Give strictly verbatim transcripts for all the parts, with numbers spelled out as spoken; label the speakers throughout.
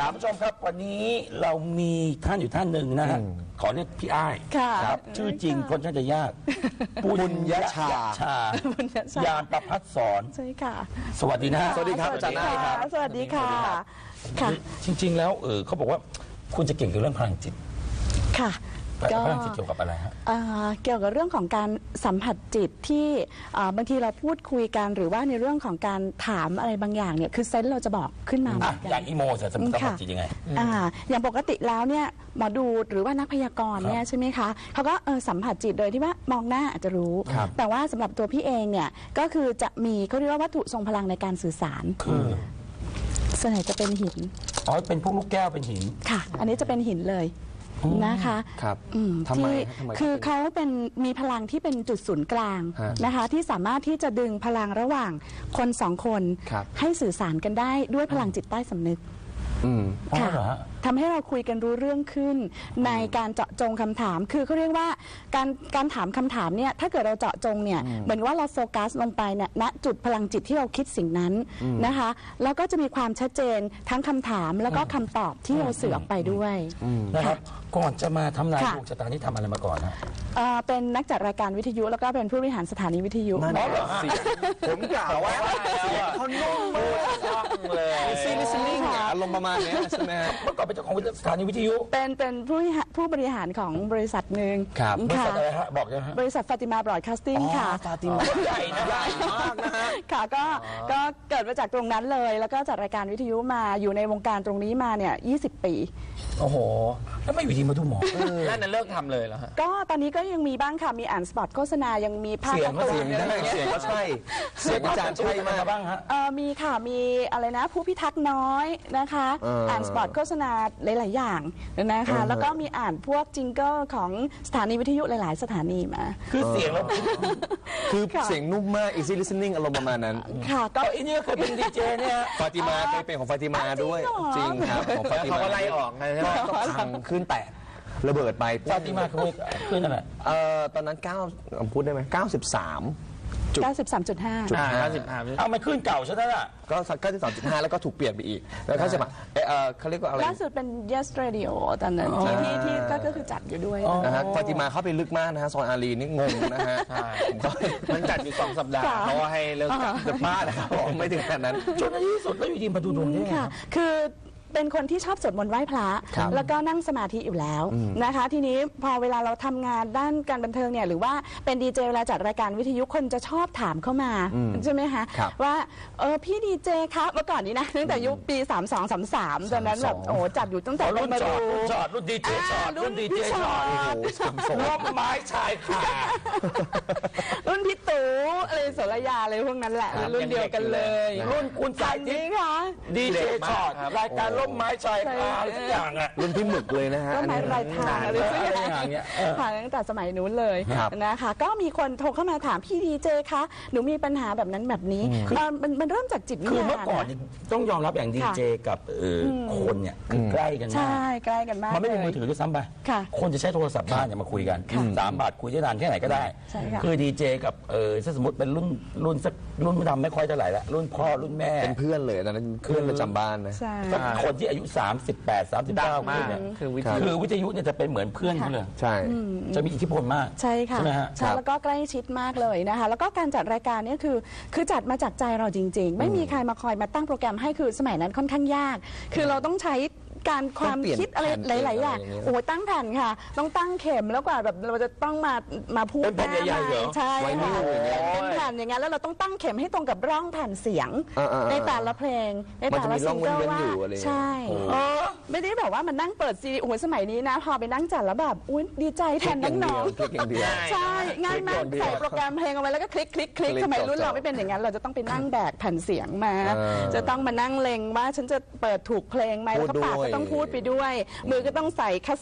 Speaker 1: คุณผู้ชมครับวันนี้เรามีท่านอยู่ท่านหนึ่งนะฮะขอเรียกพี่อ้ายครับชื่อจริงคนช่างจะยากปุญญชาชายานประภัสสร
Speaker 2: ใช่ค่ะ
Speaker 1: สวัสดีนะ
Speaker 3: สวัสดีครับอาจารย์อ้ายครับ
Speaker 2: สวัสดีค่ะค่ะ
Speaker 1: จริงๆแล้วเออเขาบอกว่าคุณจะเก่งเกี่ยวกับเรื่องพลังจิต
Speaker 2: ค่ะ
Speaker 1: พลังจิตเกี่ยวกับอะไรฮะ
Speaker 2: เกี่ยวกับเรื่องของการสัมผัสจิตที่บางทีเราพูดคุยกันหรือว่าในเรื่องของการถามอะไรบางอย่างเนี่ยคือเซนส์เราจะบอกขึ้นมา
Speaker 1: อย่างอีโมจะสัมผัสจิตยังไง
Speaker 2: อย่างปกติแล้วเนี่ยหมอดูหรือว่านักพยากรณ์เนี่ยใช่ไหมคะเขาก็สัมผัสจิตโดยที่ว่ามองหน้าอาจจะรู้แต่ว่าสำหรับตัวพี่เองเนี่ยก็คือจะมีเขาเรียกว่าวัตถุทรงพลังในการสื่อสาร
Speaker 1: คือ
Speaker 2: ส่วนใหญ่จะเป็นหิน
Speaker 1: อ๋อเป็นพวกลูกแก้วเป็นหิน
Speaker 2: ค่ะอันนี้จะเป็นหินเลยนะคะ
Speaker 3: ครับ
Speaker 2: ทำไมคือเขาเป็นมีพลังที่เป็นจุดศูนย์กลางนะคะที่สามารถที่จะดึงพลังระหว่างคนสองคนให้สื่อสารกันได้ด้วยพลังจิตใต้สำนึกค่ะทำให้เราคุยกันรู้เรื่องขึ้นในการเจาะจงคำถามคือเขาเรียกว่าการการถามคำถามเนี่ยถ้าเกิดเราเจาะจงเนี่ยเหมือนว่าเราโฟกัสลงไปเนี่ยณจุดพลังจิตที่เราคิดสิ่งนั้นนะคะแล้วก็จะมีความชัดเจนทั้งคำถามแล้วก็คำตอบที่เราสื่อออกไปด้วย
Speaker 1: นะครับก่อนจะมาทำนายดวงชะตานี่ทำอะไรมาก่อนฮะ
Speaker 2: เป็นนักจัดรายการวิทยุแล้วก็เป็นผู้บริหารสถานีวิทยุ
Speaker 3: นั่นเหรอผมกล่าวว่าเขาโน้มเลยซีลิสนิ่งอารมณ์ประมาณนี้ใช่ไหม
Speaker 1: เมื่อก่อนเป็นเจ้าของสถานีวิทยุ
Speaker 2: เป็นเป็นผู้ผู้บริหารของบริษัทหนึ่ง
Speaker 1: ครับบริษัทอะไรฮะบอกยังฮะ
Speaker 2: บริษัทฟาติมาบรอดคาสติ้งค่ะ
Speaker 3: ฟาติมาใหญ่นะใหญ่มากนะฮะ
Speaker 2: ค่ะก็ก็เกิดมาจากตรงนั้นเลยแล้วก็จัดรายการวิทยุมาอยู่ในวงการตรงนี้มาเนี่ยยี่สิบปี
Speaker 1: โอ้โหแล้วไม่อยู่ดีมาดูหมอ
Speaker 3: นั่นน่ะเลิกทำเลยเหรอฮะ
Speaker 2: ก็ตอนนี้ก็ยังมีบ้างค่ะมีอ่านสปอตโฆษณายังมีภาพ
Speaker 3: การ์ตูนเสียงก็ใช่เสียงอาจารย์ใช่มาบ้างฮะ
Speaker 2: มีค่ะมีอะไรนะผู้พิทักษ์น้อยนะคะอ่านสปอตโฆษณาหลายๆอย่างนะคะแล้วก็มีอ่านพวกจิงเกิลของสถานีวิทยุหลายๆสถานีมา
Speaker 1: คือเสียงแล้ว
Speaker 3: คือเสียงนุ่มมาก easy listening อารมณ์ประมาณนั้น
Speaker 2: ค่ะ
Speaker 1: ก็อันนี้เคยเป็นดีเจเนี่ย
Speaker 3: ฟาติมาเคยเป็นของฟาติมาด้วยจริงครับของฟาติมาเขาไล่ออกไงใช่ไหมก็พังขึ้นแตกระเบิดไป
Speaker 1: ฟาติมาคือขึ้นอะไร
Speaker 3: เอ่อตอนนั้นเก้าพูดได้ไหมเก้าสิบสาม
Speaker 2: เก้าสิบสามจุดห้า
Speaker 3: จุดห้าสิบห้า
Speaker 1: เอามันขึ้นเก่าใช่ไหมล่ะ
Speaker 3: ก็สักเก้าสิบสามจุดห้าแล้วก็ถูกเปลี่ยนไปอีกแล้วเขาจะมาเออเขาเรียกว่าอะไร
Speaker 2: ล่าสุดเป็น Yes Radio ตอนนั้นที่ที่ที่ก็คือจัดอยู่ด้วย
Speaker 3: นะฮะฟาติมาเข้าไปลึกมากนะฮะซอยอารีนี่งงนะฮะมันจัดอยู่สองสัปดาห์เพราะว่าให้เลิกจัดมากนะครับไม่ถึงขนาดนั้น
Speaker 1: จนในที่สุดแล้วอยู่ดีมาดูดวงนี่
Speaker 2: ค่ะคือเป็นคนที่ชอบสวดมนต์ไหว้พระแล้วก็นั่งสมาธิอยู่แล้วนะคะทีนี้พอเวลาเราทำงานด้านการบันเทิงเนี่ยหรือว่าเป็นดีเจเวลาจัดรายการวิทยุคนจะชอบถามเข้ามาใช่ไหมคะว่าเออพี่ดีเจครับเมื่อก่อนนี้นะตั้งแต่ยุคปีสามสองสามสามตอนนั้นแบบโอ้จัดอยู่ตั้งแต่
Speaker 1: รุ่นจอดรุ่นจอดรุ่นดีเจจอดรุ่นดีเจจอดร่มไม้ชายคา
Speaker 2: รุ่นพี่ตู่อะไรสรยาอะไรพวกนั้นแหละรุ่นเดียวกันเลย
Speaker 1: รุ่นคุณสาย
Speaker 2: จริงค่ะ
Speaker 1: ดีเจจอดรายการร่มไม้ชายคาอะไรทุกอย่างอ่ะ
Speaker 3: รุ่นพี่หมึกเลยนะฮะ
Speaker 2: ร่มไม้รายทางอะไรสักอย่างเงี้ยผ่านตั้งแต่สมัยนู้นเลยนะคะก็มีคนโทรเข้ามาถามพี่ดีเจคะหนูมีปัญหาแบบนั้นแบบนี้มันมันเริ่มจากจิตวิญญาณ
Speaker 1: คือเมื่อก่อนต้องยอมรับอย่างดีเจกับคนเนี่ยคือใกล้กันมาก
Speaker 2: ใช่ใกล้กันมาก
Speaker 1: มันไม่มีมือถือด้วยซ้ำไปคนจะใช้โทรศัพท์บ้านเนี่ยมาคุยกันสามบาทคุยได้นานแค่ไหนก็ได้คือดีเจกับเออถ้าสมมติเป็นรุ่นรุ่นสักรุ่นดำไม่ค่อยเท่าไหร่ละรุ่นพ่อรุ่นแม่
Speaker 3: เป็นเพื่อนเลยตอนนั้นเพื่อนประจำบ้านนะ
Speaker 1: คนที่อายุสามสิบแปด สามสิบเก้าเนี่ยคือวิทยุคือวิทยุเนี่ยจะเป็นเหมือนเพื่อนเขาเลย
Speaker 3: ใช่
Speaker 1: จะมีอิทธิพลมาก
Speaker 2: ใช่ค่ะ
Speaker 1: ใช่ไหมฮะ
Speaker 2: ใช่แล้วก็ใกล้ชิดมากเลยนะคะแล้วก็การจัดรายการเนี่ยคือคือจัดมาจากใจเราจริงๆไม่มีใครมาคอยมาตั้งโปรแกรมให้คือสมัยนั้นค่อนข้างยากคือเราต้องใช้การความคิดอะไรหลายๆอย่างโอ้ตั้งแผ่นค่ะต้องตั้งเข็มแล้วกว่าแบบเราจะต้องมามาพูด
Speaker 1: เป็นแผ่นใหญ่ๆเหรอ
Speaker 2: ใช่ค่ะเป็นแผ่นอย่างงั้นแล้วเราต้องตั้งเข็มให้ตรงกับร่องแผ่นเสียงในแต่ละเพลงในแต่ละซิงเกิลว่าใช่ไม่ได้แบบว่ามันนั่งเปิดซีดีโอ้สมัยนี้นะพอไปนั่งจัดแล้วแบบอุ้ยดีใจแทนน้องๆใช่ง่ายมากใส่โปรแกรมเพลงเอาไว้แล้วก็คลิกคลิกคลิกสมัยรุ่นเราไม่เป็นอย่างนั้นเราจะต้องไปนั่งแบกแผ่นเสียงมาจะต้องมานั่งเล็งว่าฉันจะเปิดถูกเพลงไหมแล้วก็ปากต้องพูดไปด้วยมือก็ต้องใส่คาสเซ็ต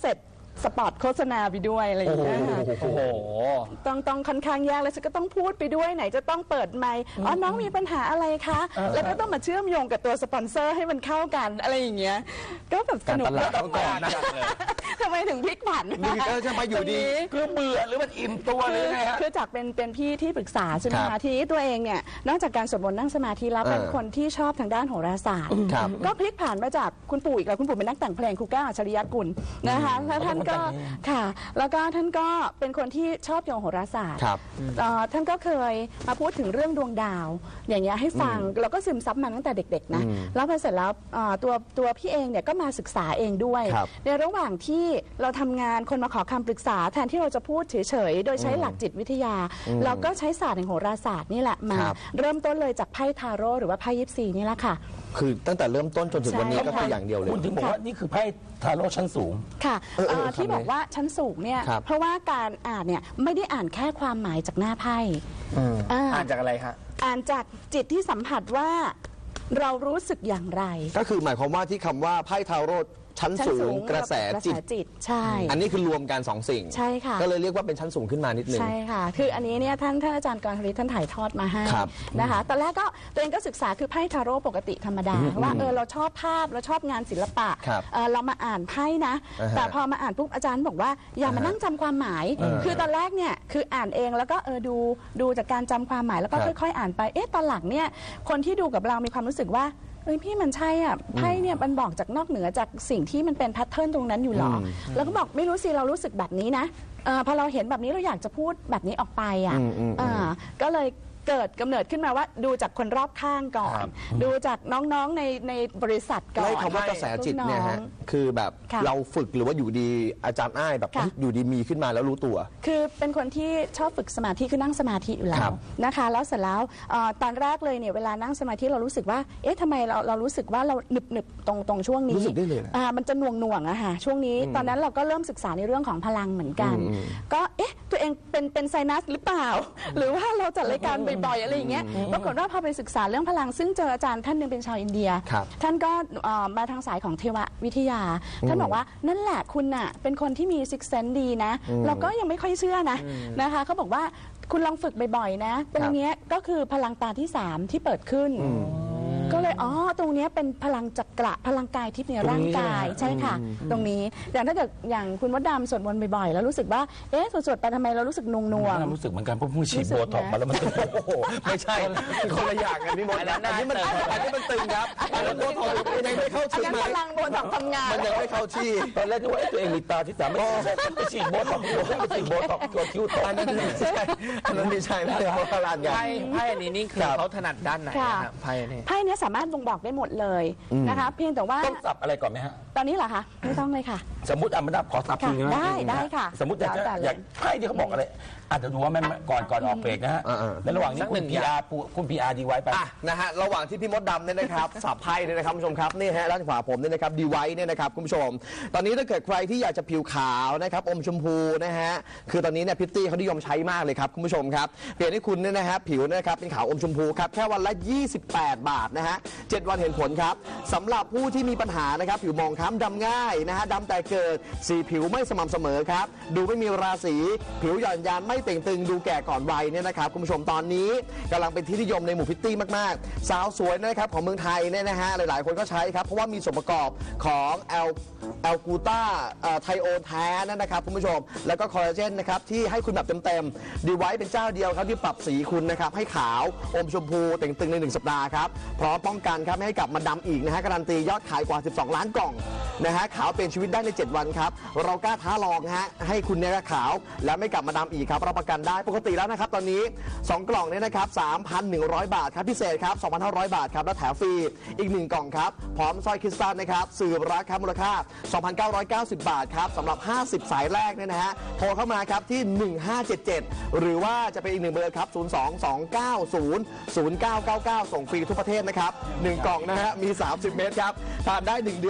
Speaker 2: สปอตโฆษณาไปด้วยอะไรอย่างเงี้ยค่ะ
Speaker 3: โอ้โห
Speaker 2: ต้องต้องค่อนข้างยากแล้วฉันก็ต้องพูดไปด้วยไหนจะต้องเปิดไมค์อ๋อน้องมีปัญหาอะไรคะแล้วก็ต้องมาเชื่อมโยงกับตัวสปอนเซอร์ให้มันเข้ากันอะไรอย่างเงี้ยก็แบบสนุก
Speaker 3: การตลาดต้องก่อนนะ
Speaker 2: ทำไมถึงพลิกผัน
Speaker 3: นี่ก็จะมาอยู่ดี
Speaker 1: คือเบื่อหรือมันอิ่มตัวหรือไงฮะ
Speaker 2: คือจากเป็นเป็นพี่ที่ปรึกษาใช่ไหมคะทีนี้ตัวเองเนี่ยนอกจากการสวดมนต์นั่งสมาธิแล้วเป็นคนที่ชอบทางด้านโหราศาสตร์ก็พลิกผันมาจากคุณปู่อีกแล้วคุณปู่เป็นนักแต่งเพลงครูแก้วอัจฉริยกุลนะคะแล้วท่านก็ค่ะแล้วก็ท่านก็เป็นคนที่ชอบโยงโหราศาสตร์ท่านก็เคยมาพูดถึงเรื่องดวงดาวอย่างเงี้ยให้ฟังแล้วก็ซึมซับมาตั้งแต่เด็กๆนะแล้วพอเสร็จแล้วตัวตัวพี่เองเนี่ยก็มาศึกษาเองด้วยในระหว่างที่เราทำงานคนมาขอคำปรึกษาแทนที่เราจะพูดเฉยๆโดยใช้หลักจิตวิทยาเราก็ใช้ศาสตร์แห่งโหราศาสตร์นี่แหละมาเริ่มต้นเลยจากไพ่ทาโร่หรือว่าไพ่ยิปซีนี่แหละค่ะ
Speaker 3: คือตั้งแต่เริ่มต้นจนถึงวันนี้ก็คืออย่างเดียวเลย
Speaker 1: คุณถึงบอกว่านี่คือไพ่ทาโร่ชั้นสูง
Speaker 2: ค่ะที่บอกว่าชั้นสูงเนี่ยเพราะว่าการอ่านเนี่ยไม่ได้อ่านแค่ความหมายจากหน้าไพ่
Speaker 3: อ่านจากอะไรคะ
Speaker 2: อ่านจากจิตที่สัมผัสว่าเรารู้สึกอย่างไร
Speaker 3: ก็คือหมายความว่าที่คำว่าไพ่ทาโร่ชั้นสูงกระแสจิต
Speaker 2: ใช่
Speaker 3: อันนี้คือรวมกันสองสิ่ง
Speaker 2: ใช่ค่ะ
Speaker 3: ก็เลยเรียกว่าเป็นชั้นสูงขึ้นมานิดนึง
Speaker 2: ใช่ค่ะคืออันนี้เนี่ยท่านท่านอาจารย์กรณฤทธิ์ท่านถ่ายทอดมาให้นะคะตอนแรกก็ตัวเองก็ศึกษาคือไพ่ทาโร่ปกติธรรมดาว่าเออเราชอบภาพเราชอบงานศิลปะเรามาอ่านไพ่นะแต่พอมาอ่านปุ๊บอาจารย์บอกว่าอย่ามานั่งจำความหมายคือตอนแรกเนี่ยคืออ่านเองแล้วก็เออดูดูจากการจำความหมายแล้วก็ค่อยๆอ่านไปเอ๊ะตอนหลังเนี่ยคนที่ดูกับเรามีความรู้สึกว่าเอ้ยพี่มันใช่อ่ะไพ่เนี่ยมันบอกจากนอกเหนือจากสิ่งที่มันเป็นแพทเทิร์นตรงนั้นอยู่หรอแล้วก็บอกไม่รู้สิเรารู้สึกแบบนี้นะพอเราเห็นแบบนี้เราอยากจะพูดแบบนี้ออกไปอ่ะก็เลยเกิดกำเนิดขึ้นมาว่าดูจากคนรอบข้างก่อนดูจากน้องๆในในบริษัทก่อน
Speaker 3: ไล่คำว่ากระแสจิตเนี่ยฮะคือแบบเราฝึกหรือว่าอยู่ดีอาจารย์อ้ายแบบอยู่ดีมีขึ้นมาแล้วรู้ตัว
Speaker 2: คือเป็นคนที่ชอบฝึกสมาธิคือนั่งสมาธิอยู่แล้วนะคะแล้วเสร็จแล้วตอนแรกเลยเนี่ยเวลานั่งสมาธิเรารู้สึกว่าเอ๊ะทำไมเราเรารู้สึกว่าเราหนึบหนึบตรงตรงช่วงนี้
Speaker 3: รู้สึกได้เลย
Speaker 2: อ่ามันจะหน่วงหน่วงอะค่ะช่วงนี้ตอนนั้นเราก็เริ่มศึกษาในเรื่องของพลังเหมือนกันก็เอ๊ะตัวเองเป็นเป็นไซนัสหรือเปล่าหรือว่าเราจัดรายการบ่อยๆอะไรอย่างเงี้ยปรากฏว่าพอไปศึกษาเรื่องพลังซึ่งเจออาจารย์ท่านหนึ่งเป็นชาวอินเดียท่านก็มาทางสายของเทววิทยาท่านบอกว่านั่นแหละคุณน่ะเป็นคนที่มีซิกเซนดีนะเราก็ยังไม่ค่อยเชื่อนะนะคะเขาบอกว่าคุณลองฝึกบ่อยๆนะตรงนี้ก็คือพลังตาที่สามที่เปิดขึ้นก็เลยอ๋อตรงนี้เป็นพลังจักระพลังกายทิพย์ในร่างกายใช่ค่ะตรงนี้อย่างถ้าเกิดอย่างคุณมดดำสวดมนต์บ่อยๆแล้วรู้สึกว่าเอ๊ะสวดๆไปทำไมเรารู้สึกนงนวง
Speaker 1: รู้สึกเหมือนกันเพราะผู้ฉีดโบท็อกมาแล้วมัน
Speaker 3: ไม่ใช่คนละอย่างกันพี่มดอันนี้มันอันนี้มันตึงครับอันนั้นโบท็อกยังไม่เข้าที่
Speaker 2: พลังโบท็อกทำงาน
Speaker 3: มันยังไม่เข้าที่
Speaker 1: ตอนแรกนึกว่าตัวเองมีตาที่สามไม่ฉีดโบท็อกไปฉีดโบท็อกตัวคิ้วตอั
Speaker 3: นนั้นไม่ใช่อันนั้นไม่ใช่ไม่ใช่เพราะพลังกัน
Speaker 4: ไพ่ไพ่อันนี้นี่คือเขาถนัดด้านไหนครับไพ่นี้
Speaker 2: ไพ่นี้สามารถบ่งบอกได้หมดเลยนะคะเพียงแต่ว่า
Speaker 1: ต้องสับอะไรก่อนไหมฮะ
Speaker 2: ตอนนี้เหรอคะไม่ต้องเลยค่ะ
Speaker 1: สมมติอ่ะมันขอสับทีนึง
Speaker 2: ได้ได้ค่ะ
Speaker 1: สมมติอยากจะอยากไพ่ที่เขาบอกอะไรอาจจะดูว่าแม่ก่อนก่อนออกเบรกนะฮะในระหว่างนี้คุณพีอาร์คุณพีอาร์ดีไว้ไป
Speaker 3: นะฮะระหว่างที่พี่มดดำเนี่ยนะครับสับไพ่เนี่ยนะครับคุณผู้ชมครับนี่ฮะด้านขวาผมเนี่ยนะครับดีไว้เนี่ยนะครับคุณผู้ชมตอนนี้ถ้าเกิดใครที่อยากจะผิวขาวนะครับอมชมพูนะฮะคือตอนนี้เนี่ยพิตตี้เขานิยมใช้มากเลยครับคุณผู้ชมครับเปลี่ยนให้คุณเนี่ยนะฮะผิวนะครับเป็นขาวอมชมพูครับแค่วันละยี่สิบแปดบาทนะฮะเจ็ดวันเห็นผลครับสำหรับผู้ที่มีปัญหานะครับผิวมองคล้ำดำง่ายนะฮะดำแต่เกิดสีผิวไม่สม่ำเสมอครับดูไม่มีราศีผิวหย่อนยานไม่เต่งตึงดูแก่ก่อนวัยเนี่ยนะครับคุณผู้ชมตอนนี้กำลังเป็นที่นิยมในหมู่พิตตี้มากๆสาวสวยนะครับของเมืองไทยเนี่ยนะฮะหลายๆคนก็ใช้ครับเพราะว่ามีส่วนประกอบของแอลแอลกูต้าไทโอนแท้นะครับคุณผู้ชมแล้วก็คอลลาเจนนะครับที่ให้คุณแบบเต็มๆดีไว้เป็นเจ้าเดียวครับที่ปรับสีคุณนะครับให้ขาวอมชมพูเต่งตึงในหนึ่งสัปดาห์ครับพร้อมป้องกันครับไม่ให้กลับมาดำอีกนะฮะการันตียอดขายกว่าสิบสองล้านกล่องนะฮะขาวเป็นชีวิตได้ในเจ็ดวันครับเรากล้าท้าลองฮะให้คุณเนี่ยขาวและไม่กลับมาดำอีกครับรับประกันได้ปกติแล้วนะครับตอนนี้สองกล่องเนี่ยนะครับ สามพันหนึ่งร้อย บาทครับพิเศษครับ สองพันห้าร้อย บาทครับและแถมฟรีอีกหนึ่งกล่องครับพร้อมสร้อยคริสตัลนะครับสืบราคามูลค่า สองพันเก้าร้อยเก้าสิบ บาทครับสำหรับห้าสิบสายแรกเนี่ยนะฮะโทรเข้ามาครับที่หนึ่งห้าเจ็ดเจ็ดหรือว่าจะเป็นอีกหนึ่งเบอร์ครับศูนย์ สอง สอง เก้า ศูนย์ ศูนย์ เก้า เก้า เก้าส่งฟรีทุกประเทศนะครับหนึ่งกล่องนะฮะมีสามสิบเม็ดครับทานได้หนึ่งเดือนฮะเซต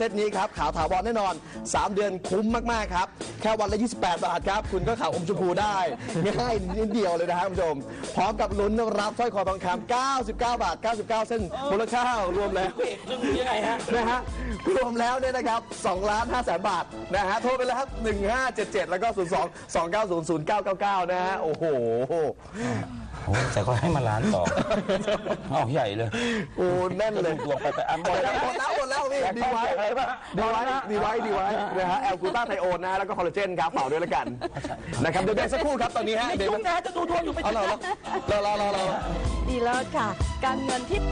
Speaker 3: ตนี้ครับขาวถาวรแน่นอนสามเดือนคุ้มมากๆครับแค่วันละยี่สิบแปดบาทครับคุณก็ขาวอมชมพูได้ง่ายนิดเดียวเลยนะครับคุณผู้ชมพร้อมกับลุ้นรับสร้อยคอทองคำเก้าสิบเก้าบาทเก้าสิบเก้าเส้นมูลค่ารวมแล้ว
Speaker 1: ยังไงฮะ
Speaker 3: นะฮะรวมแล้วเนี่ยนะครับสองล้านห้าแสนบาทนะฮะโทรไปแล้วครับหนึ่งห้าเจ็ดเจ็ดแล้วก็ศูนย์สอง สองเก้าศูนย์ ศูนย์เก้าเก้าเก้านะฮะโอ้โห
Speaker 1: แต่ก็ให้มาล้านต่อเอาใหญ่เลย
Speaker 3: โอ้แน่นเลย
Speaker 1: ดวงไปไปอันหมดแล้ว
Speaker 3: หมดแล้วหมดแล้วพี่ดีไว้ดีไว้ดีไว้ดีไว้นะฮะแอลกูต้าไทโอนนะแล้วก็คอลลาเจนครับเป่าด้วยละกันนะครับเดี๋ยวเดี๋ยวสักครู่ครับตอนนี้ฮะ
Speaker 1: เดี๋ยวจะดูดวงอยู่ไป
Speaker 3: รอรอรอรอรอ
Speaker 2: ดีเลิศค่ะการเงินที่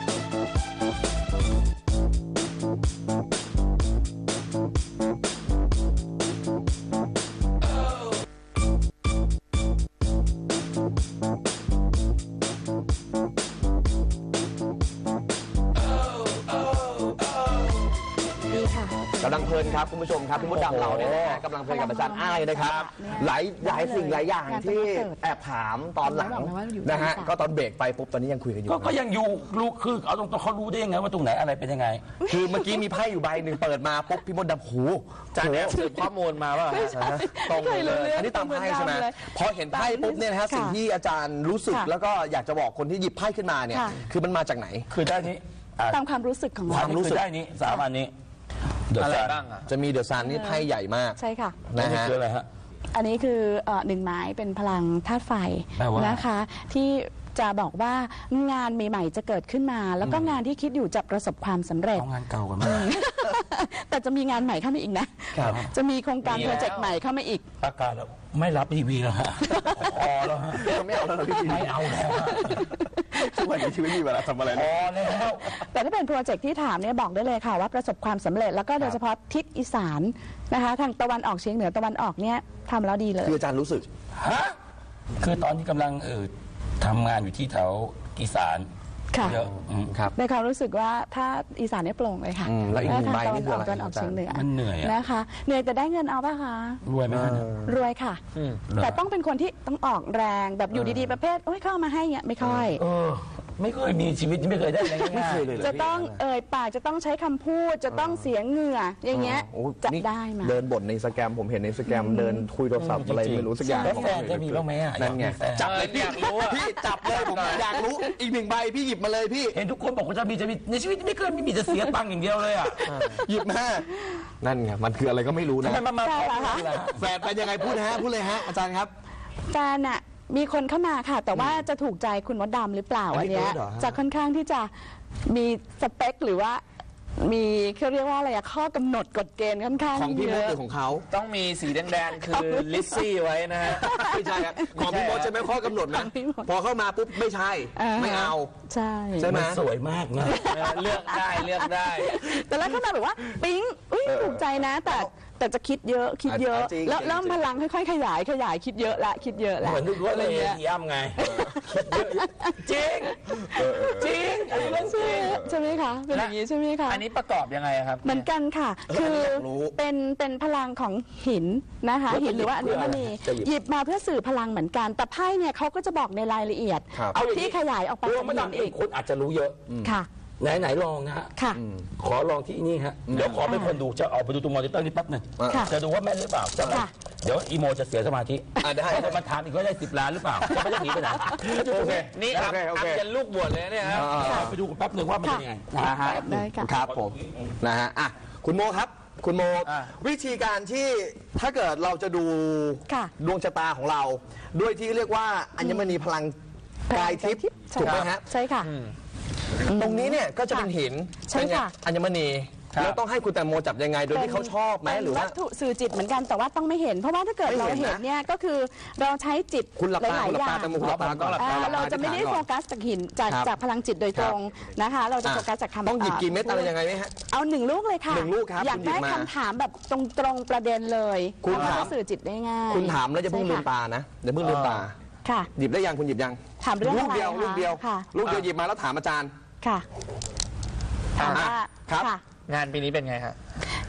Speaker 3: กำลังเพลินครับคุณผู้ชมครับพี่มดดำเราเนี่ยนะกำลังเพลินกับอาจารย์อ้ายนะครับหลายหลายสิ่งหลายอย่างที่แอบถามตอนหลังนะฮะก็ตอนเบรกไปปุ๊บตอนนี้ยังคุยกันอยู่
Speaker 1: ก็ยังอยู่รู้คือเอาตรงๆเขารู้ได้ยังไงว่าตรงไหนอะไรเป็นยังไง
Speaker 3: คือเมื่อกี้มีไพ่อยู่ใบหนึ่งเปิดมาปุ๊บพี่มดดำหู
Speaker 4: อาจารย์แอบสืบข้อมูลมาว่า
Speaker 3: ตรงเลยอันนี้ตามไพ่ใช่ไหมพอเห็นไพ่ปุ๊บเนี่ยนะฮะสิ่งที่อาจารย์รู้สึกแล้วก็อยากจะบอกคนที่หยิบไพ่ขึ้นมาเนี่ยคือมันมาจากไหน
Speaker 1: คือได้นี้
Speaker 2: ตามความรู้สึกของเรา
Speaker 1: ความรู้สึกได้นี้สามอันนี้
Speaker 4: อะไรบ้างอ่ะ
Speaker 3: จะมีเดอะซันนี่ไพ่ใหญ่มาก
Speaker 2: ใช่ค่ะ
Speaker 3: นะฮะ
Speaker 1: คืออะไรฮะ
Speaker 2: อันนี้คือหนึ่งไม้เป็นพลังธาตุไฟนะคะที่จะบอกว่างานใหม่ๆจะเกิดขึ้นมาแล้วก็งานที่คิดอยู่จะประสบความสำเร็จ
Speaker 1: งานเก่ากันมาก
Speaker 2: แต่จะมีงานใหม่เข้ามาอีกนะจะมีโครงการโปรเจกต์ใหม่เข้ามาอีก
Speaker 1: ประกาศแล้วไม่รับทีวีแล้วฮะพอแล้วฮะ
Speaker 3: ไม่เอาแล้วพี่
Speaker 1: ไม่เอาแล้ว
Speaker 3: ทุกวันนี้ชีวิตมีเวลาทำอะไร
Speaker 1: พอแล้ว
Speaker 2: แต่ถ้าเป็นโปรเจกต์ที่ถามเนี่ยบอกได้เลยค่ะว่าประสบความสำเร็จแล้วก็โดยเฉพาะทิศอีสานนะคะทางตะวันออกเฉียงเหนือตะวันออกเนี่ยทำแล้วดีเลย
Speaker 3: คืออาจารย์รู้สึก
Speaker 1: ฮะคือตอนนี้กำลังเออทำงานอยู่ที่แถวอีสานเยอะ
Speaker 2: ครับในความรู้สึกว่าถ้าอีสานเนี่ยโปร่งเลยค่ะ
Speaker 3: แล้วอีกหนึ่งใบนี่คืออะไร
Speaker 2: ตะวันออกเฉียงเหนือ
Speaker 1: มันเหนื่อย
Speaker 2: นะคะเหนื่อยแต่ได้เงินเอาป่ะคะ
Speaker 1: รวยไหมคะ
Speaker 2: รวยค่ะแต่ต้องเป็นคนที่ต้องออกแรงแบบอยู่ดีๆประเภทโอ้ยเข้ามาให้เงี้ยไม่ค่อย
Speaker 1: ไม่เคยมีชีวิตไม่เคยได้อะไรง่าย
Speaker 2: ๆจะต้องเอ่ยปากจะต้องใช้คำพูดจะต้องเสียงเหงื่ออย่างเงี้ยจะได้มา
Speaker 3: เดินบ่นในสแกมผมเห็นในสแกมเดินคุยโทรศัพท์อะไรไม่รู้สักอย่าง
Speaker 1: แล้วแฟนจะมีบ้างไหมอ่ะ
Speaker 3: นั่นไงจับเลยพี่อยากรู้พี่จับเลยผมอยากรู้อีกหนึ่งใบพี่หยิบมาเลยพี่
Speaker 1: เห็นทุกคนบอกว่าจะมีจะมีในชีวิตไม่เคยไม่มีจะเสียตังค์อย่างเดียวเลยอ่ะ
Speaker 3: หยิบมานั่นไงมันคืออะไรก็ไม่รู้นะแฟนเป็นยังไงพูดฮะพูดเลยฮะอาจารย์ครับ
Speaker 2: แฟนอะมีคนเข้ามาค่ะแต่ว่าจะถูกใจคุณมดดำหรือเปล่าอันนี้จะค่อนข้างที่จะมีสเปคหรือว่ามีเขาเรียกว่าอะไรอะข้อกำหนดกฎเกณฑ์ค่อนข้าง
Speaker 3: ของพี่มดหรือของเขา
Speaker 4: ต้องมีสีแดงๆคือลิซซี่ไว้นะฮะ
Speaker 3: ไม่ใช่ครับของพี่มดจะไม่ข้อกำหนดนะพอเข้ามาปุ๊บไม่ใช่ไม่เอา
Speaker 2: ใช่
Speaker 3: ใช่ไหม
Speaker 1: สวยมากนะ
Speaker 4: เลือกได้เลือกได้
Speaker 2: แต่แล้วเข้ามาแบบว่าปิ๊งอุ้ยถูกใจนะแต่แต่จะคิดเยอะคิดเยอะแล้วเริ่มพลังค่อยๆขยายขยายคิดเยอะละคิดเยอะละ
Speaker 1: เหมือนดูว่าอะไรย่ำไงจริงจริงอันนี้เรื่องจริง
Speaker 2: ใช่ไหมคะเป็นอย่างนี้ใช่ไหมคะ
Speaker 4: อันนี้ประกอบยังไงครับ
Speaker 2: เหมือนกันค่ะคือเป็นเป็นพลังของหินนะคะหินหรือว่าอัญมณีหยิบมาเพื่อสื่อพลังเหมือนกันแต่ไพ่เนี่ยเขาก็จะบอกในรายละเอียดเอาที่ขยายออกไป
Speaker 1: เป็นหินอีกคนอาจจะรู้เยอะ
Speaker 2: ค่ะ
Speaker 1: ไหนไหนลองนะฮะขอลองที่นี่ฮะเดี๋ยวขอเป็นคนดูจะออกไปดูตรงมอนิเตอร์นี่แป๊บหนึ่งจะดูว่าแม่นหรือเปล่าจะเดี๋ยวอีโมจะเสียสมาธิ
Speaker 3: ได้
Speaker 1: จะมาถามอีกว่าได้สิบล้านหรือเปล่าจะไม่ได้หนีไปไหน
Speaker 4: โอเคนี่ครับอัพยันลูกบวชเลยเนี่ยครับ
Speaker 1: ไปดูแป๊บหนึ่งว่ามันเป็นยังไง
Speaker 3: นะฮะครับผมนะฮะอ่ะคุณโมครับคุณโมวิธีการที่ถ้าเกิดเราจะดูดวงชะตาของเราด้วยที่เรียกว่าอัญมณีพลังกายทิพย์ถูกไหมฮะ
Speaker 2: ใช่ค่ะ
Speaker 3: ตรงนี้เนี่ยก็จะเป็นหินเป็นอัญมณีแล้วต้องให้คุณแตงโมจับยังไงโดยที่เขาชอบไหมหรือว่า
Speaker 2: วัตถุสื่อจิตเหมือนกันแต่ว่าต้องไม่เห็นเพราะว่าถ้าเกิดเราเห็นเนี่ยก็คือเราใช้จิตหลายๆอย่างเราจะไม่ได้โฟกัสจากหินจากจากพลังจิตโดยตรงนะคะเราจะโฟกัสจากคำ
Speaker 3: ต้องหยิบกี่เม็ดอะไรยังไงไหมฮะ
Speaker 2: เอาหนึ่งลูกเลยค่ะ
Speaker 3: หนึ่งลูกครับ
Speaker 2: อยากได้คำถามแบบตรงตรงประเด็นเลย
Speaker 3: คุณถาม
Speaker 2: สื่อจิตได้ง่าย
Speaker 3: คุณถามแล้วจะเพิ่งลืมตานะเดี๋ยวเพิ่งลืมตา
Speaker 2: ค่ะ
Speaker 3: หยิบได้ยังคุณหยิบยัง
Speaker 2: ถามเรื่อง
Speaker 3: ลูกเดียวลูกเดียวลูกเดียวหยิบมาแล้วถามอาจารย์
Speaker 2: ค่ะถามว่า
Speaker 3: ครับ
Speaker 4: งานปีนี้เป็นไงฮะ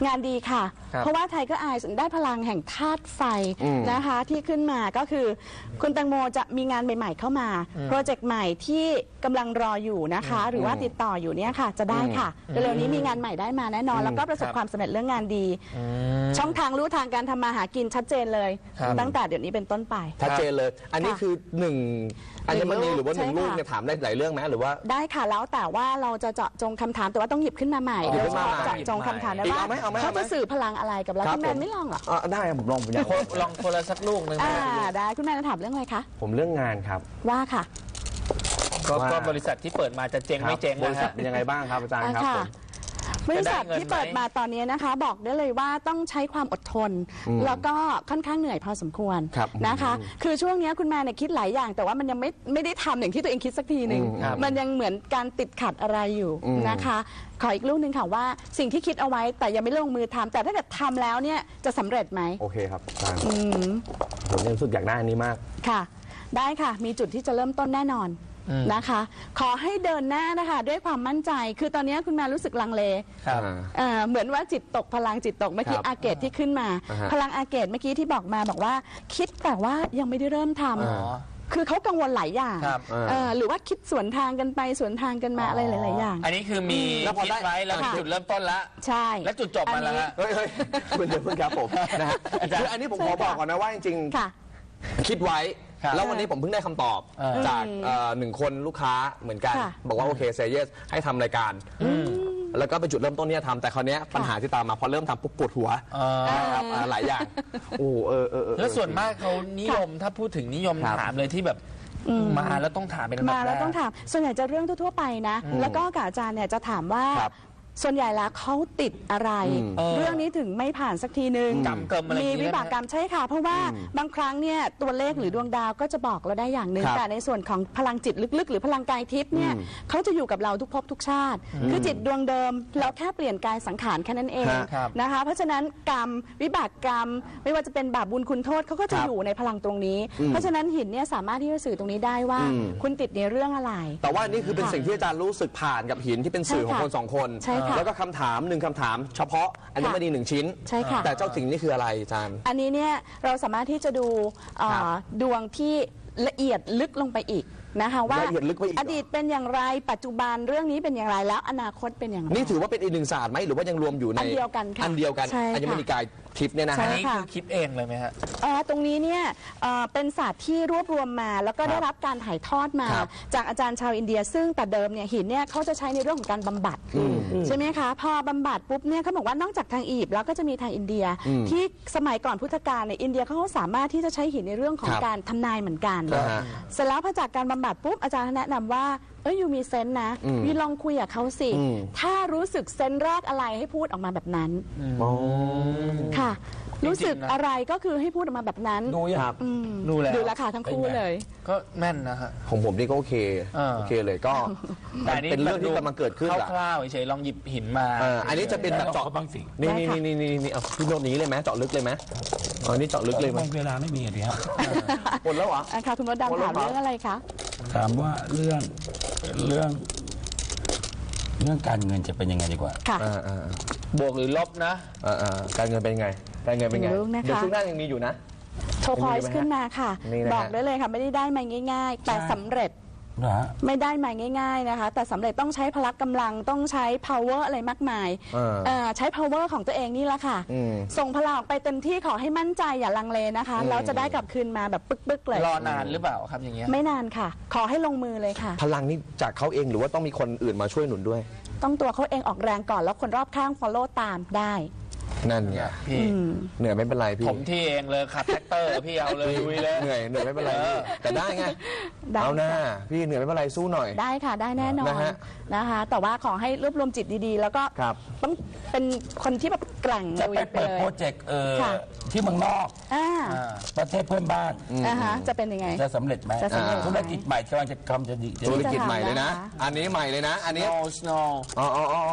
Speaker 2: งานดีค่ะ เพราะว่าไทเกอร์ไอซ์ได้พลังแห่งธาตุไฟนะคะที่ขึ้นมาก็คือคุณแตงโมจะมีงานใหม่ๆเข้ามาโปรเจกต์ใหม่ที่กำลังรออยู่นะคะหรือว่าติดต่ออยู่เนี่ยค่ะจะได้ค่ะเร็วๆนี้มีงานใหม่ได้มาแน่นอนแล้วก็ประสบความสำเร็จเรื่องงานดีช่องทางรู้ทางการทำมาหากินชัดเจนเลยตั้งแต่เดี๋ยวนี้เป็นต้นไป
Speaker 3: ชัดเจนเลยอันนี้คือหนึ่งอัญมณีหรือว่าหนึ่งลูกเนี่ยถามได้หลายเรื่องไหมหรือว่าได้
Speaker 2: ค่ะแล้วแต่ว่าเราจะเจาะจงคำถามแต่ว่าต้องหยิบขึ้นมาใหม่โดยเฉพาะเจาะจงคำถามนะว่าเขาจะสื่อพลังอะไรกับเราคุณแมนไม่ลองหรอ
Speaker 3: ได้ผมลองผมอยาก
Speaker 4: ลองคนละสักลูกหนึ่ง
Speaker 2: ได้คุณแมนจะถามเรื่องอะไรคะ
Speaker 3: ผมเรื่องงานครับ
Speaker 2: ว่าค่ะ
Speaker 4: ก็บริษัทที่เปิดมาจะเจ๊งไม่เจ๊ง
Speaker 3: บริษัทเป็นยังไงบ้างครับอาจารย์ครับ
Speaker 2: บริษัทที่เปิดมาตอนนี้นะคะบอกได้เลยว่าต้องใช้ความอดทนแล้วก็ค่อนข้างเหนื่อยพอสมควรนะคะคือช่วงนี้คุณแม่เนี่ยคิดหลายอย่างแต่ว่ามันยังไม่ไม่ได้ทำอย่างที่ตัวเองคิดสักทีหนึ่งมันยังเหมือนการติดขัดอะไรอยู่นะคะขออีกลูกหนึ่งค่ะว่าสิ่งที่คิดเอาไว้แต่ยังไม่ลงมือทำแต่ถ้าเกิดทำแล้วเนี่ยจะสำเร็จไหม
Speaker 3: โอเคครับอาจารย์ผมยังรู้สึกอยากได้อันนี้มาก
Speaker 2: ค่ะได้ค่ะมีจุดที่จะเริ่มต้นแน่นอนนะคะขอให้เดินหน้านะคะด้วยความมั่นใจคือตอนนี้คุณแม่รู้สึกลังเลเหมือนว่าจิตตกพลังจิตตกเมื่อกี้อาเกตที่ขึ้นมาพลังอาเกตเมื่อกี้ที่บอกมาบอกว่าคิดแต่ว่ายังไม่ได้เริ่มทำคือเขากังวลหลายอย่างหรือว่าคิดสวนทางกันไปสวนทางกันมาอะไรหลายๆอย่าง
Speaker 4: อันนี้คือมีคิดไว้แล้วจุดเริ่มต้นละ
Speaker 2: ใช่
Speaker 4: แล้วจุดจบมาแล้ว
Speaker 3: เฮ้ยเฮ้ยคุณเดี๋ยวเพิ่งครับผมนะฮะคืออันนี้ผมขอบอกก่อนนะว่าจริงๆคิดไว้แล้ววันนี้ผมเพิ่งได้คำตอบจากหนึ่งคนลูกค้าเหมือนกันบอกว่าโอเคเซเยสให้ทำรายการแล้วก็เป็นจุดเริ่มต้นที่จะทำแต่คราวนี้ปัญหาที่ตามมาพอเริ่มทำปุ๊บปวดหัวนะครับหลายอย่างโอ้เออเออ
Speaker 4: แล้วส่วนมากเขานิยมถ้าพูดถึงนิยมถามเลยที่แบบมาแล้วต้องถามเป็น
Speaker 2: มาแล้วต้องถามส่วนใหญ่จะเรื่องทั่วไปนะแล้วก็อาจารย์เนี่ยจะถามว่าส่วนใหญ่แล้วเขาติดอะไรเรื่องนี้ถึงไม่ผ่านสักทีนึงมีวิบากกรรมใช่ค่ะเพราะว่าบางครั้งเนี่ยตัวเลขหรือดวงดาวก็จะบอกเราได้อย่างหนึ่งแต่ในส่วนของพลังจิตลึกๆหรือพลังกายทิพย์เนี่ยเขาจะอยู่กับเราทุกภพทุกชาติคือจิตดวงเดิมเราแค่เปลี่ยนกายสังขารแค่นั้นเองนะคะเพราะฉะนั้นกรรมวิบากกรรมไม่ว่าจะเป็นบาปบุญคุณโทษเขาก็จะอยู่ในพลังตรงนี้เพราะฉะนั้นหินเนี่ยสามารถที่จะสื่อตรงนี้ได้ว่าคุณติดในเรื่องอะไร
Speaker 3: แต่ว่านี่คือเป็นสิ่งที่อาจารย์รู้สึกผ่านกับหินที่เป็นสื่อของคนสองคนแล้วก็คำถามหนึ่งคำถามเฉพาะอัญมณีหนึ่งชิ้น
Speaker 2: ใช่ค่ะ
Speaker 3: แต่เจ้าสิ่งนี้คืออะไรอาจารย์
Speaker 2: อันนี้เนี่ยเราสามารถที่จะดูดวงที่ละเอียดลึกลงไปอีกนะคะว่าอดีตเป็นอย่างไรปัจจุบันเรื่องนี้เป็นอย่างไรแล้วอนาคตเป็นอย่างไร
Speaker 3: นี่ถือว่าเป็นอีกหนึ่งศาสตร์ไหมหรือว่ายังรวมอยู่ใน
Speaker 2: อันเดียวกันค่ะ
Speaker 3: อันเดียวกันอัญมณีกายทิพย์เนี่ยนะ
Speaker 4: อันนี้คือคิดเองเลยไหมฮะ
Speaker 2: ตรงนี้เนี่ยเป็นศาสตร์ที่รวบรวมมาแล้วก็ได้รับการถ่ายทอดมาจากอาจารย์ชาวอินเดียซึ่งแต่เดิมเนี่ยหินเนี่ยเขาจะใช้ในเรื่องของการบำบัดใช่ไหมคะพอบำบัดปุ๊บเนี่ยเขาบอกว่านอกจากทางอียิปต์แล้วก็จะมีทางอินเดียที่สมัยก่อนพุทธกาลในอินเดียเขาสามารถที่จะใช้หินในเรื่องของการทำนายเหมือนกันเสร็จแล้วพอจากการบำบัดปุ๊บอาจารย์แนะนำว่าเอ้ยยูมีเซนส์นะยูลองคุยกับเขาสิถ้ารู้สึกเซนส์แรกอะไรให้พูดออกมาแบบนั้นค่ะรู้สึกอะไรก็คือให้พูดออกมาแบบนั้น
Speaker 3: ดูครับ
Speaker 4: ดูแล้ว
Speaker 2: ดูราคาทั้งคู่เลย
Speaker 4: ก็แม่นนะฮะ
Speaker 3: ของผมนี่ก็โอเคโอเคเลยก็เป็นเรื่องที่กำลังเกิดขึ้น
Speaker 4: คร่าวๆเฉยๆลองหยิบหินมา
Speaker 3: อันนี้จะเป็นแบบเจาะบางสิ่งนี่นี่นี่นี่นี่เอาพี่โน้ตนี้เลยไหมเจาะลึกเลยไหมอ๋อนี่เจาะลึกเลยไหม
Speaker 1: เวลาไม่มีอะไรครับ
Speaker 3: หมดแล้วเหรอ
Speaker 2: ค่ะคุณมดดำถามเรื่องอะไรคะ
Speaker 1: ถามว่าเรื่องเรื่องเรื่องการเงินจะเป็นยังไงดีกว่า
Speaker 2: ค่ะ
Speaker 4: บวกหรือลบนะ
Speaker 3: การเงินเป็นยังไงการเงินเป็นไงเดี๋ยวช่วงหน้ายังมีอยู่นะ
Speaker 2: โชว์พอยส์ขึ้นมาค่ะบอกได้เลยค่ะไม่ได้ได้มาง่ายๆแต่สำเร็จไม่ได้มาง่ายๆนะคะแต่สำเร็จต้องใช้พละกำลังต้องใช้ power อะไรมากมายใช้ power ของตัวเองนี่แหละค่ะส่งพลังออกไปเต็มที่ขอให้มั่นใจอย่าลังเลนะคะแล้วจะได้กลับคืนมาแบบปึ๊กๆเลย
Speaker 4: รอนานหรือเปล่าครับอย่างเงี้ย
Speaker 2: ไม่นานค่ะขอให้ลงมือเลยค่ะ
Speaker 3: พลังนี่จากเขาเองหรือว่าต้องมีคนอื่นมาช่วยหนุนด้วย
Speaker 2: ต้องตัวเขาเองออกแรงก่อนแล้วคนรอบข้าง follow ตามได้
Speaker 3: นั่นไงพี่เหนื่อยไม่เป็นไรพี่
Speaker 4: ผมที่เองเลยขับแท็กเตอร์พี่เอาเลยลุยเลย
Speaker 3: เหนื่อยเหนื่อยไม่เป็นไรแต่ได้ไงเอาหน้าพี่เหนื่อยไม่เป็นไรสู้หน่อย
Speaker 2: ได้ค่ะได้แน่นอนนะคะแต่ว่าขอให้รวบรวมจิตดีๆแล้วก็ต้องเป็นคนที่แบบแกร่ง
Speaker 1: จะไปเปิดโปรเจกต์ที่เมืองนอกประเทศเพื่อนบ้าน
Speaker 2: จะเป็นยังไง
Speaker 1: จะสำเร็จไหมธุรกิจใหม่กำลังจะทำจะดี
Speaker 3: ธุรกิจใหม่เลยนะอันนี้ใหม่เลยนะอันนี้
Speaker 4: snow
Speaker 3: อ๋ออ๋ออ๋อ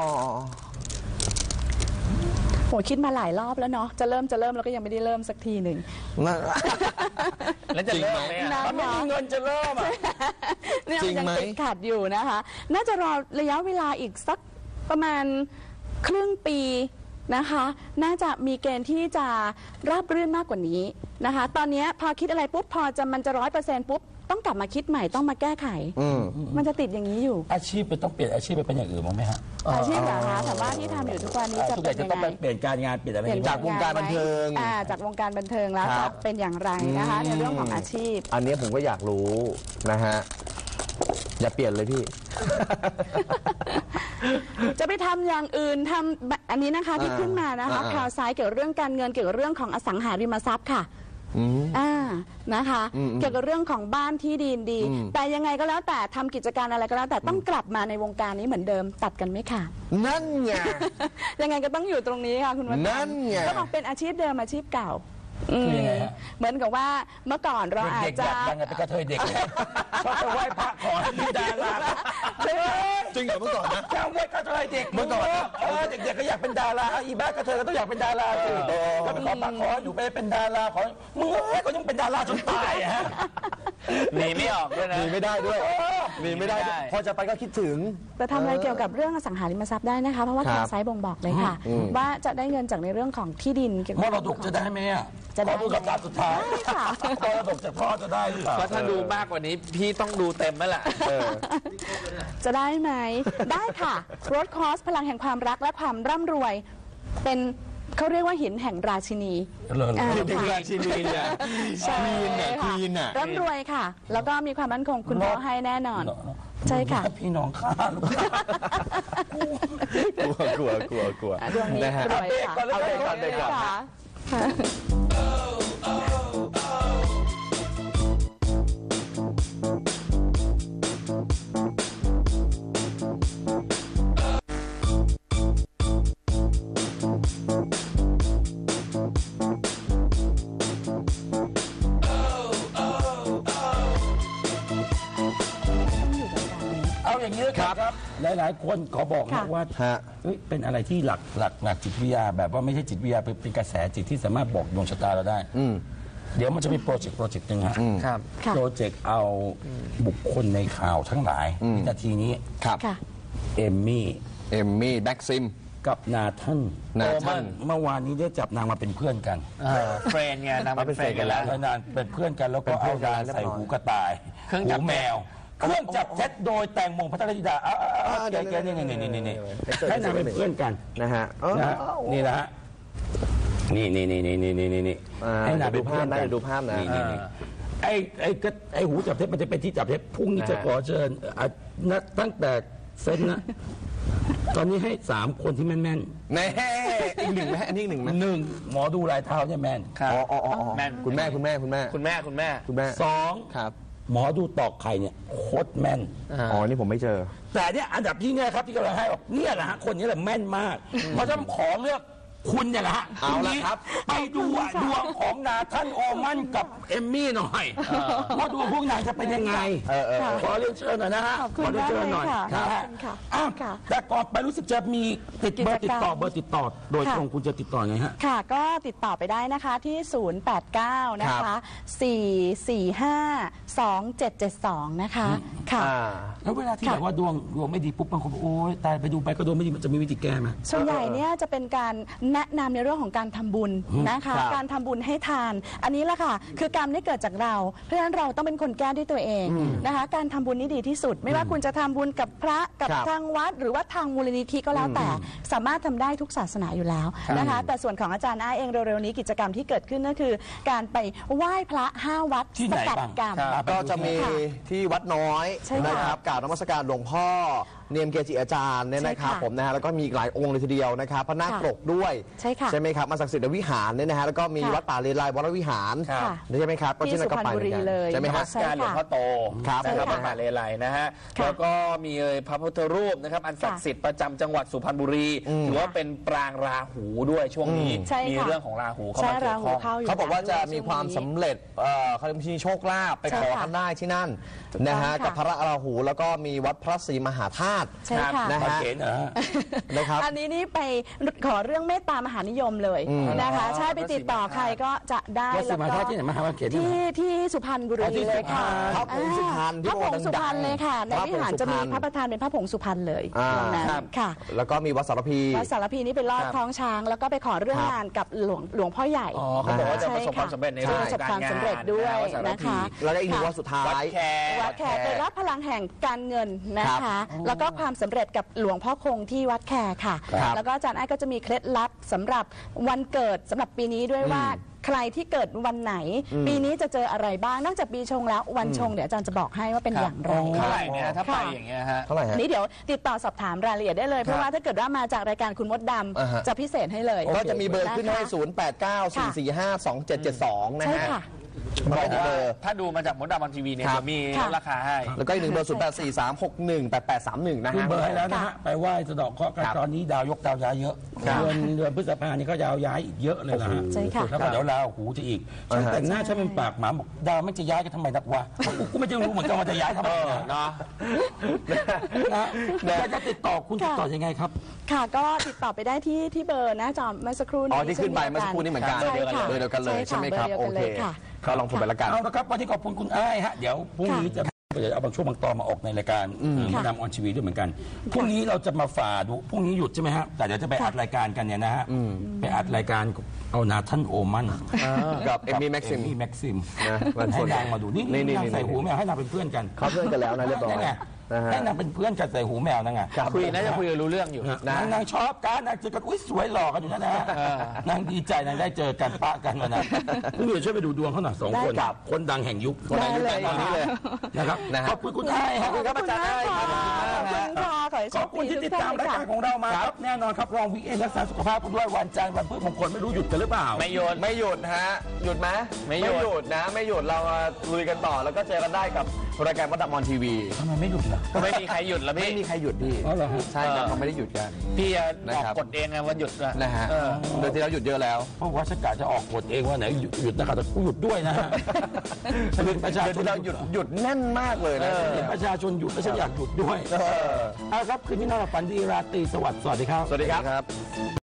Speaker 2: โหคิดมาหลายรอบแล้วเนาะจะเริ่มจะเริ่มแล้วก็ยังไม่ได้เริ่มสักทีหนึ่ง
Speaker 4: แล้วจะเริ่มไหมมันไม่มีเงินจะเริ่มอ่ะ
Speaker 2: จริงไหมยังติดขัดอยู่นะคะน่าจะรอระยะเวลาอีกสักประมาณครึ่งปีนะคะน่าจะมีเกณฑ์ที่จะราบรื่นมากกว่านี้นะคะตอนนี้พอคิดอะไรปุ๊บพอจะมันจะร้อยเปอร์เซ็นต์ปุ๊บต้องกลับมาคิดใหม่ต้องมาแก้ไขมันจะติดอย่างนี้อยู่
Speaker 1: อาชีพไปต้องเปลี่ยนอาชีพไปเป็นอย่างอื่นมั้งไหมฮะ
Speaker 2: อาชีพเหรอคะแต่ว่าที่ทำอยู่ทุกวันนี้จะเป็นยังไง
Speaker 1: เปลี่ยนการงานเปลี่ยนอะไร
Speaker 3: จากวงการบันเทิง
Speaker 2: จากวงการบันเทิงแล้วจะเป็นอย่างไรนะคะในเรื่องของอาชีพ
Speaker 3: อันนี้ผมก็อยากรู้นะฮะอย่าเปลี่ยนเลยพี่
Speaker 2: จะไปทำอย่างอื่นทำอันนี้นะคะที่ขึ้นมานะคะข่าวซ้ายเกี่ยวกับเรื่องการเงินเกี่ยวกับเรื่องของอสังหาริมทรัพย์ค่ะอ่านะคะเกี่ยวกับเรื่องของบ้านที่ดินดีแต่ยังไงก็แล้วแต่ทำกิจการอะไรก็แล้วแต่ต้องกลับมาในวงการนี้เหมือนเดิมตัดกันไม่ขาด
Speaker 3: นั่นไง
Speaker 2: ยังไงก็ต้องอยู่ตรงนี้ค่ะคุณวัฒน์
Speaker 3: นั่นไง
Speaker 2: ก็บอกเป็นอาชีพเดิมอาชีพเก่าเหมือนกับว่าเมื่อก่อนเราอาจจะ
Speaker 1: ยังไงเป็นกระเทยเด็กชอบไปไหว้พระขอให้มีดารา
Speaker 3: จริงเหรอเมื่อก่อนนะ
Speaker 1: จำไว้กระเทยเด็กเมื่อก่อนเออเด็กๆก็อยากเป็นดาราอีบ้ากระเทยก็ต้องอยากเป็นดาราสิก็ไปขอพระขออยู่ไปเป็นดาราขอมึงเอ้ยก็ยังเป็นดาราจนตายฮะ
Speaker 4: หนีไม่ออกด้วยนะ
Speaker 3: หนีไม่ได้ด้วยหนีไม่ได้พอจะไปก็คิดถึง
Speaker 2: แต่ทำอะไรเกี่ยวกับเรื่องอสังหาริมทรัพย์ได้นะคะเพราะว่าข่าวไซต์บ่งบอกเลยค่ะว่าจะได้เงินจากในเรื่องของที่ดินเกี่ยวกับ
Speaker 1: มรดกจะได้ไหมอ่ะ
Speaker 2: จะได้
Speaker 1: ดูคำถามสุดท้ายมรดกจากพ่อจะได้หรือเปล่า
Speaker 4: เพราะถ้าดูมากกว่านี้พี่ต้องดูเต็มแล้วแหละ
Speaker 2: จะได้ไหมได้ค่ะรถคอสพลังแห่งความรักและความร่ำรวยเป็นเขาเรียกว่าหินแห่งราชินี
Speaker 3: หินแห่งราชินีเนี่ย
Speaker 2: ควี
Speaker 3: นเนี่ยควีนอ่ะ
Speaker 2: ร่ำรวยค่ะแล้วก็มีความมั่นคงคุณพ่อให้แน่นอนใช่ค่ะ
Speaker 1: พี่น้องข้าลูก
Speaker 3: กลัวกลัวกลัว
Speaker 2: ดวงนี้รวยค่ะ
Speaker 3: เอาเด็กก่อนเด็กก่อน
Speaker 1: อย่างนี้ครับหลายๆคนขอบอกนะว่าเป็นอะไรที่หลักหลักหลักจิตวิทยาแบบว่าไม่ใช่จิตวิทยาเป็นกระแสจิตที่สามารถบอกดวงชะตาเราได้เดี๋ยวมันจะมีโปรเจกต์โปรเจกต์หนึ่งฮะโปรเจกต์เอาบุคคลในข่าวทั้งหลายวินาทีนี้เอมมี่
Speaker 3: เอมมี่แบ็กซิม
Speaker 1: กับนาทัน
Speaker 3: นาทัน
Speaker 1: เมื่อวานนี้ได้จับนางมาเป็นเพื่อนกัน
Speaker 4: เฟรนไงนางเป็นเฟรนกันแล้ว
Speaker 1: นางเป็นเพื่อนกันแล้วก็เอายาใส่หูกระต่ายหูแมวเครื่องจับเท็จโดยแตงโมพัทรธิดาแกๆนี่นี่นี่นี่นี่ให้นางเป็นเพื่อนกัน
Speaker 3: นะฮะ
Speaker 1: นี่นะฮะนี่นี่นี่นี่นี่นี่นี่
Speaker 3: ให้นางเป็นเพื่อนกันดูภาพนะ
Speaker 1: ไอ้ไอ้ก็ไอ้หูจับเท็จมันจะเป็นที่จับเท็จพรุ่งนี้จะขอเชิญตั้งแต่เซนนะตอนนี้ให้สามคนที่แม่นแม่น
Speaker 3: แน่อีกหนึ่งไหมอันนี้หนึ่งไหม
Speaker 1: หนึ่งหมอดูลายเท้าเนี่ยแม่น
Speaker 3: อ๋ออ๋อแม่นคุณแม่คุณแม่คุณแม่
Speaker 4: คุณแม่คุณแม่
Speaker 3: คุณแม่
Speaker 1: สอง
Speaker 3: ครับ
Speaker 1: หมอดูตอกไข่เนี่ยโคตรแม่น
Speaker 3: อ๋อนี่ผมไม่เจอ
Speaker 1: แต่เนี่ยอันดับที่เนี่ยครับที่กำลังให้บอกเนี่ยแหละฮะคนนี้แหละแม่นมากเพราะฉะนั้นขอเลือกคุณเนี่ยแหละฮะ
Speaker 3: เอาละครับ
Speaker 1: ไปดูดวงของนาทันโอมันกับเอมมี่หน่อยว่าดวงพวกนางจะเป็นยังไงขอเรียนเชิญหน่อยนะฮะ
Speaker 2: ขอเรียนเชิญหน่อย
Speaker 1: นะฮะแต่ก่อนไปรู้สึกจะมีติดเบอร์ติดต่อเบอร์ติดต่อโดยตรงคุณจะติดต่อไงฮะ
Speaker 2: ค่ะก็ติดต่อไปได้นะคะที่ศูนย์ แปด เก้า นะคะสี่ สี่ ห้า สอง เจ็ด เจ็ด สองนะคะค่ะ
Speaker 1: แล้วเวลาที่แบบว่าดวงดวงไม่ดีปุ๊บบางคนโอ๊ยตายไปดูไปก็ดวงไม่ดีมันจะมีวิธีแก้ไหม
Speaker 2: ส่วนใหญ่เนี่ยจะเป็นการแนะนำในเรื่องของการทำบุญนะคะการทำบุญให้ทานอันนี้แหละค่ะคือกรรมนี่เกิดจากเราเพราะฉะนั้นเราต้องเป็นคนแก้ด้วยตัวเองนะคะการทำบุญนี่ดีที่สุดไม่ว่าคุณจะทำบุญกับพระกับทางวัดหรือว่าทางมูลนิธิก็แล้วแต่สามารถทำได้ทุกศาสนาอยู่แล้วนะคะแต่ส่วนของอาจารย์อ้าเองเร็วๆนี้กิจกรรมที่เกิดขึ้นก็คือการไปไหว้พระห้าวัดสกัดกรรม
Speaker 3: ก็จะมีที่วัดน้อยนะครับกราบนมัสการหลวงพ่อเนียมเกจิอาจารย์เนี่ยนะครับผมนะฮะแล้วก็มีหลายองค์เลยทีเดียวนะครับพระนาคปกด้วย
Speaker 2: ใช่ค่ะ
Speaker 3: ใช่ไหมครับมาศักดิ์สิทธิ์วิหารเนี่ยนะฮะแล้วก็มีวัดป่าเลไลวรวิหารใช่ไหมครับ
Speaker 2: ก็ที่สุพรรณบุรีเลย
Speaker 3: ใช่ไหมครับ
Speaker 4: การหลวงพ่อโต
Speaker 3: ครับ
Speaker 4: นะครับวัดป่าเลไลนะฮะแล้วก็มีพระพุทธรูปนะครับอันศักดิ์สิทธิ์ประจำจังหวัดสุพรรณบุรีถือว่าเป็นปรางราหูด้วยช่วงนี้มีเรื่องของราหูเข้ามาเกี่ยวข้อง
Speaker 3: เขาบอกว่าจะมีความสำเร็จเขาจะมีโชคลาภไปขอกันได้ที่นั่นนะฮะกับพระราหูแล้วก็มีวัดพระศรีมหาธาตุติ
Speaker 2: ใช่ค่ะ
Speaker 3: นะ
Speaker 1: มา
Speaker 3: ฮะ
Speaker 1: เขียนเหรอฮะ
Speaker 3: นะครับ
Speaker 2: อันนี้นี่ไปขอเรื่องเมตตามหานิยมเลยนะคะใช่ไปติดต่อใครก็จะได้
Speaker 1: วัดศรี
Speaker 2: แล้ว
Speaker 1: มหา
Speaker 2: ก็
Speaker 1: ธาตุที่ไหนมหาวิทยาลัยเขต
Speaker 2: ที่ที่สุพรรณบุรี
Speaker 1: อ๋อที่
Speaker 2: เลยค่ะ
Speaker 3: พระผงสุพรรณที่
Speaker 2: พระผงสุพรรณเลยค่ะใน
Speaker 3: พระผง
Speaker 2: วิหารจะมี
Speaker 3: สุพรรณ
Speaker 2: พระประธานเป็นพระผงสุพรรณเลย
Speaker 3: อ่า
Speaker 2: ตรงนั้น
Speaker 4: ครับ
Speaker 2: ค่ะ
Speaker 3: แล้วก็มีวัดสารพี
Speaker 2: วัดสารพีนี่ไปลอด
Speaker 4: ครับ
Speaker 2: คล้องช้าง แล้วก็ไปขอเรื่อง
Speaker 3: ครับ
Speaker 2: งานกับหลวงหลวงพ่อใหญ่
Speaker 4: อ๋อเขาบอกว่าจะประสบความสำเร็จในเรื่อง
Speaker 2: ประสบความสำเร็จด้วย
Speaker 4: การงาน
Speaker 2: นะคะ
Speaker 3: แล้วก็อีกหนึ่งวัดสุดท้า
Speaker 4: วัด
Speaker 3: ย
Speaker 4: แคร์
Speaker 2: วัดแขกไปรับพลังแห่งการเงินนะคะ แล้วก็ความสำเร็จกับหลวงพ่อคงที่วัดแขกค่ะ
Speaker 3: ครับ
Speaker 2: แล้วก็อาจารย์ไอ้ก็จะมีเคล็ดลับสำหรับวันเกิดสำหรับปีนี้ด้วยว่าใครที่เกิดวันไหน ปีนี้จะเจออะไรบ้างนอกจากปีชงแล้ววันชงเดี๋ยวอาจารย์จะบอกให้ว่าเป็นอย่างไร
Speaker 4: เท่าไหร่เนี่ยถ้าไป
Speaker 2: ค่ะ
Speaker 4: อย่างเงี้ยฮะ
Speaker 3: เท่าไหร่ฮะ
Speaker 2: นี่เดี๋ยวติดต่อสอบถามรายละเอียดได้เลย เพราะว่าถ้าเกิดว่ามาจากรายการคุณมดด
Speaker 3: อ่าฮะ
Speaker 2: ำจะพิเศษให้เลย
Speaker 3: ก็จะมีเบอร์ขึ้นให้
Speaker 2: ะคะ
Speaker 3: ศูนย์ แปด เก้า สี่ สี่ ห้า สอง เจ็ด เจ็ด สอง นะ
Speaker 2: ใช่
Speaker 3: ฮะ
Speaker 2: ค่ะ
Speaker 4: บอก
Speaker 3: เบ
Speaker 4: ว่า
Speaker 3: อร์
Speaker 4: ถ้าดูมาจากมดดำออนทีวีเนี่ย
Speaker 3: ครับ
Speaker 4: จะมี
Speaker 2: ค่ะ
Speaker 4: ลดราคาให้
Speaker 3: แล้วก็อีกหนึ่งเบอร์ ศูนย์ แปด สี่ สาม หก หนึ่ง แปด แปด สาม หนึ่ง นะ
Speaker 1: ขึ้น
Speaker 3: ฮะ
Speaker 1: เบอร์ให้แล้วนะฮะ ไปไหว้สะเดอกเคราะห์กัน
Speaker 3: ครับ
Speaker 1: ตอนนี้ดาวยกดาวย้ายเยอะ
Speaker 3: ครับ
Speaker 1: เดือนเดือนพฤษภานี่ก็ดาวย้ายอีกเยอะเลยนะฮะ
Speaker 2: ใช่ค่ะ
Speaker 1: แล้วก็เดี๋ยวลาหูจะอีกฉัน
Speaker 3: อ่าฮะ
Speaker 1: แต่งหน้าฉันเป็นปากหมาบอกดาวไม่จะย้ายกันทำไมนักวะกูไม่จะรู้เหมือนกันว่าจะย้ายทำไมนะ
Speaker 4: เนาะ
Speaker 1: นะอยากจะติดต่อคุณติดต่อยังไงครับ
Speaker 2: ค่ะก็ติดต่อไปได้ที่ที่เบอร์หน้าจอเมื่อสักครู่นี้
Speaker 3: อ๋อที่ขึ้นไปเมื่อสักครู่นี้เหมือนกัน
Speaker 2: ใช่ค่ะ
Speaker 3: เบอร์เดียวกันเลยใช่ไหมครับ
Speaker 2: เบ
Speaker 3: โอ
Speaker 2: อร์
Speaker 3: เค
Speaker 2: เดียวกันเลยค่ะ
Speaker 3: ก็ลองโทรไปละกัน
Speaker 1: เอาละครับวันนี้ขอบคุณคุณอ้ายฮะเดี๋ยวพรุ่งนี้จะเดี๋ยวเอาบางช่วงบางตอนมาออกในรายการมาดามออนทีวีด้วยเหมือนกันพรุ่งนี้เราจะมาฝ่าดูพรุ่งนี้หยุดใช่ไหมฮะแต่เดี๋ยวจะไปอัดรายการกันเนี่ยนะฮะไปอัดรายการเอานาท่านโอมัน
Speaker 3: กับเอมมี่แม็กซิม
Speaker 1: เอมมี่แม็กซิม
Speaker 3: นะวัน
Speaker 1: ให้
Speaker 3: ศุกร์
Speaker 1: นางมาดูนี่
Speaker 3: นี่
Speaker 1: นี่
Speaker 3: นี่
Speaker 1: นาง
Speaker 3: นี่
Speaker 1: ใส่หูแมวให้นางเป็นเพื่อนกัน
Speaker 3: เขาเพื่อนกันแล้วนะเรียบร้อย
Speaker 1: นั่นไง
Speaker 3: นะฮะ
Speaker 1: ให้นางเป็นเพื่อนกันใส่หูแมวนั่นไง
Speaker 3: ครับ
Speaker 4: คุยน่าจะคุยกันรู้เรื่องอยู่
Speaker 1: นางนางชอบกันนางเจอกันอุ้ยสวยหล่อกันอยู่นั่นนะฮะนางดีใจนางได้เจอกันปะกันวันนั้นคุณเดี๋ยวช่วยไปดูดวงเขาหน่อยสองคน
Speaker 2: ได้ครับ
Speaker 1: คนดังแห่งยุค
Speaker 3: คนดังยุค
Speaker 2: ได้เลย
Speaker 3: ตอนนี้เลย
Speaker 1: นะครับ
Speaker 3: นะฮะ
Speaker 1: ขอบคุณคุณอ้ายครับ
Speaker 3: ขอบคุณครับอาจารย์อ้ายครับ
Speaker 2: ขอบคุณค่ะขอให้โช
Speaker 1: ขอบ
Speaker 2: ค
Speaker 1: คุณ
Speaker 2: ดี
Speaker 1: ที่
Speaker 2: ทุ
Speaker 1: ติด
Speaker 2: กท่า
Speaker 1: ตาม
Speaker 2: น
Speaker 1: ราย
Speaker 2: ค่ะ
Speaker 1: การของเรามาครับแน่นอนครับรองวิกเอนรักษาสุขภาพกันด้วยวันจันทร์วันพฤหัสมงคลไม่รู้หยุดกันหรือเปล่า
Speaker 4: ไม่โยน
Speaker 3: ไม่หยุดฮะ หยุดไหม
Speaker 4: ไม่หยุด
Speaker 3: หยุดนะ ไม่หยุดเรามาลุยกันต่อแล้วก็เจอกันได้กับรายการมดดำออนทีวี
Speaker 1: ทำไมไม่หยุดล่ะ
Speaker 4: ไม่มีใครหยุดแล้ว
Speaker 3: ไม่
Speaker 4: พี่
Speaker 3: มีใครหยุดพี่
Speaker 1: อ๋อเหรอฮะ
Speaker 3: ใช่ครับเขาไม่ได้หยุดกัน
Speaker 4: พี่อ
Speaker 3: นะ
Speaker 4: อก
Speaker 3: ครับ
Speaker 4: กฎเองไงวันหยุดอะ
Speaker 3: นะฮะ
Speaker 4: เออ
Speaker 3: โดยที่เราหยุดเยอะแล้ว
Speaker 1: เพราะว่าฉันกะจะออกกฎเองว่าไหนหยุดหยุดนะครับแต่กูหยุดด้วยนะฮะฉันเป็นประชา
Speaker 3: เดือน
Speaker 1: ชน
Speaker 3: ที่เราหยุดหยุดแน่นมากเลยนะ
Speaker 1: เห็นประชาชนหยุดแล้วฉันอยากหยุดด้วยเอาครับคืนนี้นอนหลับฝันดีราตรีสวัสดิ์สวัสดีครับ
Speaker 3: สวัสดีครับ